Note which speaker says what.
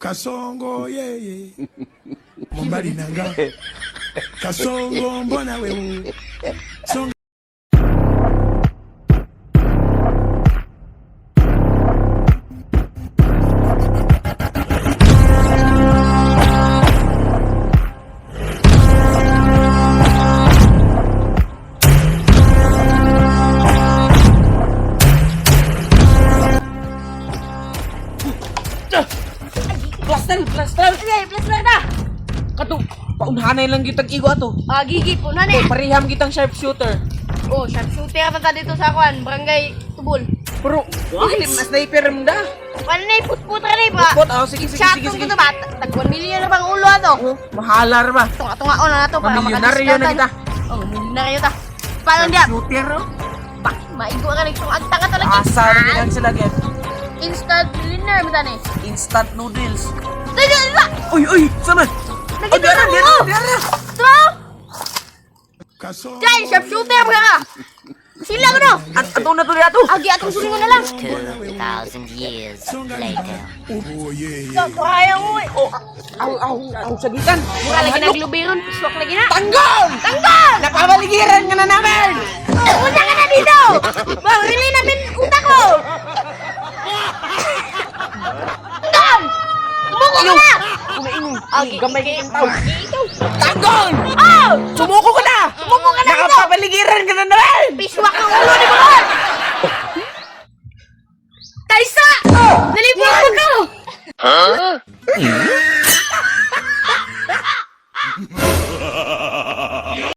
Speaker 1: Kasongo yeye Mombali nanga Kasongo mbona wewe Songa
Speaker 2: Plaster. Plaster na.
Speaker 3: Kato, paunhanay lang kitang igo ato.
Speaker 2: Gigi po na ni.
Speaker 3: Pariham kitang sharpshooter.
Speaker 2: Oh, sharpshooter pa dito sa kwan, Barangay Tubol.
Speaker 3: Pero, hindi mas sniper mo da.
Speaker 2: Ano na put-put ka na ba?
Speaker 3: Put, sige.
Speaker 2: Shotgun ko to ba? Tag 1 million na bang ulo ato?
Speaker 3: Mahalar ba?
Speaker 2: Tunga na to para
Speaker 3: Milyonaryo na kita.
Speaker 2: Oh, milyonaryo ta. Paano diya?
Speaker 3: Shooter, no?
Speaker 2: Maigo ka nito. Agta ka talaga.
Speaker 3: Asa na nilang sila, get.
Speaker 2: Instant millionaire mo tani.
Speaker 3: Instant noodles.
Speaker 2: Dala!
Speaker 3: Uy, sama.
Speaker 2: Nakita mo! Ito!
Speaker 1: Kasongo
Speaker 2: Dahil, sharpshooter mo ka! Sila ko no!
Speaker 3: Ato na to ato.
Speaker 2: Agi atong sulingon na lang!
Speaker 4: 2,000 years later.
Speaker 1: Oh yeye
Speaker 2: Kaya mo eh! Oh,
Speaker 3: Aw, sagitan.
Speaker 2: mura lagi naglubiron. Swak lagi na!
Speaker 3: Tanggol!
Speaker 2: Tanggal!
Speaker 3: Napabaligiran ka na namin!
Speaker 2: Unta ka na dito! Bang, relay namin utak ko! Tanggal! Tumuko ka na!
Speaker 3: Umaingay.
Speaker 2: Agi,
Speaker 3: Gamay
Speaker 2: igi.
Speaker 3: kitang tao.
Speaker 2: Ikaw!
Speaker 3: Tanggol!
Speaker 2: Oh!
Speaker 3: Sumuko